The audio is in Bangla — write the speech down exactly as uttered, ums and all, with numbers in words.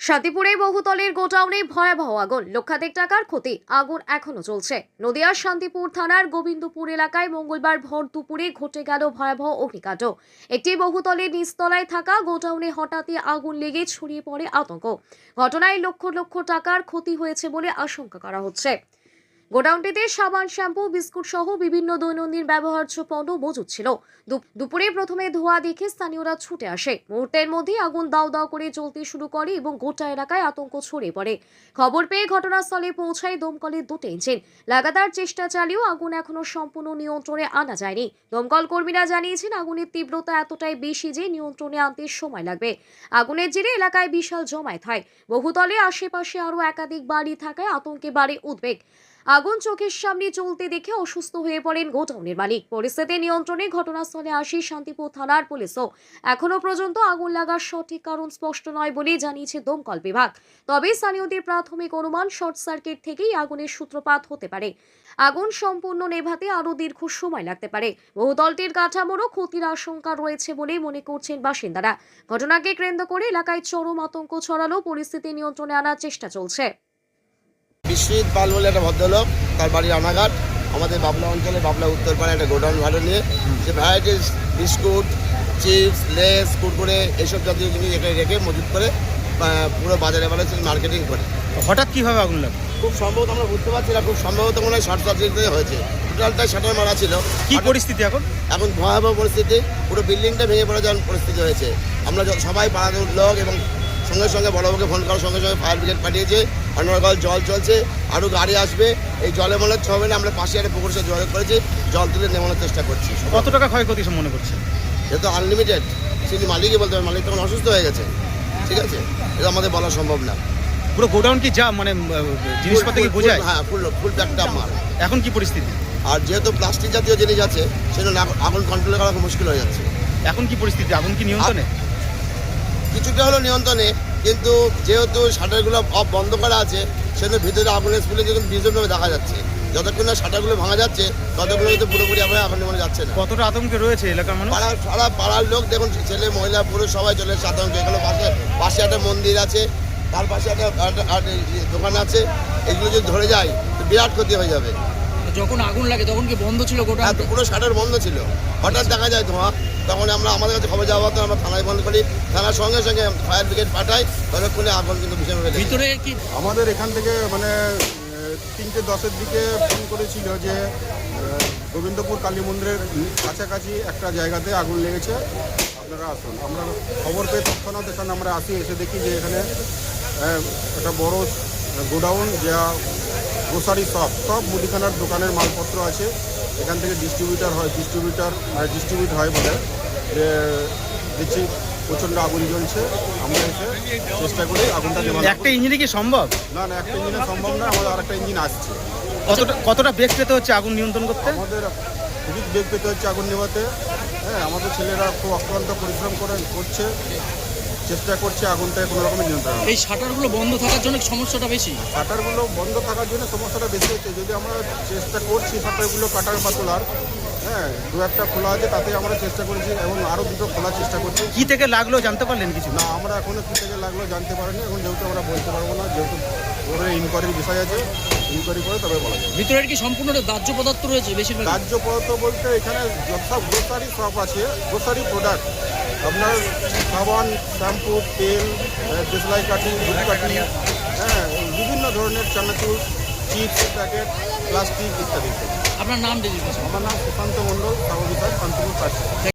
শান্তিপুরে বহুতলের গোডাউনে ভয়াবহ আগুন, লক্ষাধিক টাকার ক্ষতি। আগুন এখনো চলছে। নদিয়ার শান্তিপুর থানার গোবিন্দপুর এলাকায় মঙ্গলবার ভর দুপুরে ঘটে গেল ভয়াবহ অগ্নিকাণ্ড। একটি বহুতলের নিচতলায় থাকা গোডাউনে হঠাৎই আগুন লেগে ছড়িয়ে পড়ে আতঙ্ক। ঘটনায় লক্ষ লক্ষ টাকার ক্ষতি হয়েছে বলে আশঙ্কা করা হচ্ছে। গোডাউনটিতে সাবান, শ্যাম্পু, বিস্কুট সহ বিভিন্ন দৈনন্দিন ব্যবহার্য পণ্য মজুদ ছিল। দুপুরে প্রথমে ধোঁয়া দেখে স্থানীয়রা ছুটে আসে। মুহূর্তের মধ্যে আগুন দাউ দাউ করে জ্বলতে শুরু করে এবং গোটা এলাকায় আতঙ্ক ছড়িয়ে পড়ে। খবর পেয়ে ঘটনাস্থলে পৌঁছায় দমকলের দুটো ইঞ্জিন। লাগাতার চেষ্টা চালিয়েও আগুন এখনো সম্পূর্ণ নিয়ন্ত্রণে আনা যায়নি। দমকল কর্মীরা জানিয়েছেন, আগুনের তীব্রতা এতটাই বেশি যে নিয়ন্ত্রণে আনতে সময় লাগবে। আগুনের জেরে এলাকায় বিশাল জমায়েত হয়। বহুতলে আশেপাশে আরও একাধিক বাড়ি থাকায় আতঙ্কে বাড়ে উদ্বেগ। আগুন চোখের সামনে চলতে দেখে অসুস্থ হয়ে পড়েন গোডাউনের মালিক। পরিস্থিতি নিয়ন্ত্রণে ঘটনাস্থলে আসে শান্তিপুর থানার পুলিশও। এখনো পর্যন্ত আগুন লাগার সঠিক কারণ স্পষ্ট নয় বলে জানিয়েছে দমকল বিভাগ। তবে স্থানীয়দের প্রাথমিক অনুমান, শর্ট সার্কিট থেকেই আগুনের সূত্রপাত হতে পারে। আগুন সম্পূর্ণ নেভাতে আরও দীর্ঘ সময় লাগতে পারে। বহুতলটির কাঠামোরও ক্ষতির আশঙ্কা রয়েছে বলে মনে করছেন বাসিন্দারা। ঘটনাকে কেন্দ্র করে এলাকায় চরম আতঙ্ক ছড়ালো। পরিস্থিতি নিয়ন্ত্রণে আনার চেষ্টা চলছে। বিশ্বজিৎ পাল বলে একটা ভদ্রলোক, তার বাড়ি রানাঘাট। আমাদের বাবলা অঞ্চলে বাবলা উত্তরপাড়ায় একটা গোডাউন ভাড়া নিয়ে যে varieties biscuit, chips, Lays, Kurkure এইসব জাতীয় জিনিস এখানে রেখে মজুত করে পুরো বাজারে বাজারে মার্কেটিং করে। হঠাৎ কিভাবে আগুন লাগলো? খুব সম্ভবত আমরা বুঝতে পারছি না, খুব সম্ভবত মনে হয় শর্ট সার্কিট হয়েছে। টোটালটাই শাটার মারা ছিল। কি পরিস্থিতি এখন? এখন ভয়াবহ পরিস্থিতি, পুরো বিল্ডিংটা ভেঙে পড়ে যাওয়ার পরিস্থিতি হয়েছে। আমরা সবাই পাড়ার লোক এবং সঙ্গে সঙ্গে বড়বাবুকে ফোন করার সঙ্গে সঙ্গে ফায়ার ব্রিগেড পাঠিয়েছে। অনর্গল জল চলছে, আরও গাড়ি আসবে। এই জলে মনে হচ্ছে হবে না, আমরা পাশে একটা পুকুর জল করেছি, জল তুলে নেমানোর চেষ্টা করছি। কত টাকা ক্ষয়ক্ষতি মনে করছে? যেহেতু আনলিমিটেড, সেটি মালিকই বলতে হবে। মালিক তখন অসুস্থ হয়ে গেছে, ঠিক আছে, এটা আমাদের বলা সম্ভব না। পুরো গোডাউন কি যা মানে জিনিসপত্র কি বোঝায়? হ্যাঁ, ফুল ফুল প্যাকটা মাল। এখন কি পরিস্থিতি? আর যেহেতু প্লাস্টিক জাতীয় জিনিস আছে, সেজন্য আগুন কন্ট্রোল করা খুব মুশকিল হয়ে যাচ্ছে। এখন কি পরিস্থিতি? আগুন কি নিয়ন্ত্রণে? কিছুটা হলো নিয়ন্ত্রণে, কিন্তু যেহেতু শাটারগুলো অফ বন্ধ করা আছে, সেজন্য ভিতরে আগুনের স্কুলে যখন বিজনভাবে দেখা যাচ্ছে। যতক্ষণ না শাটারগুলো ভাঙা যাচ্ছে, ততক্ষণ কিন্তু পুরোপুরি আগুনে আগুন নেমে যাচ্ছে না। কতটা আতঙ্কে রয়েছে এলাকার মানুষ? পাড়ার সারা পাড়ার লোক দেখুন, ছেলে মহিলা পুরুষ সবাই চলে এসেছে আতঙ্কে। এখানে পাশে পাশে একটা মন্দির আছে, তার পাশে একটা দোকান আছে। এগুলো যদি ধরে যায় তো বিরাট ক্ষতি হয়ে যাবে। যখন আগুন লাগে তখন কি বন্ধ ছিল গোটা? হ্যাঁ, পুরো শাটার বন্ধ ছিল। হঠাৎ দেখা যায় ধোঁয়া, তখন আমরা আমাদের কাছে খবর যাওয়া হতো, আমরা থানায় ফোন করি, থানার সঙ্গে সঙ্গে ফায়ার ব্রিগেড পাঠাই, ততক্ষণে আগুন কিন্তু ভীষণ হয়ে যায়। ভিতরে কি আমাদের এখান থেকে মানে তিনটে দশের দিকে ফোন করেছিল যে গোবিন্দপুর কালী মন্দিরের কাছাকাছি একটা জায়গাতে আগুন লেগেছে, আপনারা আসুন। আমরা খবর পেয়ে তৎক্ষণাৎ এখানে আমরা আসি, এসে দেখি যে এখানে একটা বড় গোডাউন, যা গ্রোসারি শপ, সব মুদিখানার দোকানের মালপত্র আছে। এখান থেকে ডিস্ট্রিবিউটার হয় ডিস্ট্রিবিউটার মানে ডিস্ট্রিবিউট হয় বলে যে দেখছি প্রচণ্ড আগুন জ্বলছে। আমরা এসে চেষ্টা করি আগুনটা নেভানোর। একটা ইঞ্জিনে কি সম্ভব? না না, একটা ইঞ্জিনে সম্ভব না, আমাদের আরেকটা ইঞ্জিন আসছে। কতটা কতটা বেগ পেতে হচ্ছে আগুন নিয়ন্ত্রণ করতে? আমাদের খুবই বেগ পেতে হচ্ছে আগুন নেভাতে। হ্যাঁ, আমাদের ছেলেরা খুব অক্লান্ত পরিশ্রম করে করছে, চেষ্টা করছে আগুনটা কোনো রকমের নিয়ন্ত্রণ। এই শাটারগুলো বন্ধ থাকার জন্য সমস্যাটা বেশি? শাটারগুলো বন্ধ থাকার জন্য সমস্যাটা বেশি হচ্ছে। যদি আমরা চেষ্টা করছি শাটারগুলো কাটার বা তোলার, হ্যাঁ, দু একটা খোলা আছে, তাতে আমরা চেষ্টা করেছি এবং আরও দুটো খোলার চেষ্টা করছি। কি থেকে লাগলো জানতে পারলেন কিছু? না, আমরা এখনো কী থেকে লাগলো জানতে পারিনি। এখন যেহেতু আমরা বলতে পারবো না, যেহেতু ওদের ইনকোয়ারির বিষয় আছে, ইনকোয়ারি করে তবে বলা যাবে। ভিতরের কি সম্পূর্ণ দাহ্য পদার্থ রয়েছে বেশিরভাগ? দাহ্য পদার্থ বলতে এখানে সব গ্রোসারি শপ আছে, গ্রোসারি প্রোডাক্ট, আপনার সাবান, শ্যাম্পু, তেল, দেশলাই কাঠি, ধূপকাঠি, হ্যাঁ, বিভিন্ন ধরনের চানাচুর, চিপস প্যাকেট, প্লাস্টিক ইত্যাদি। আপনার নাম? আমার নাম সুশান্ত মণ্ডল, সাগর শান্তিপুর কাছে।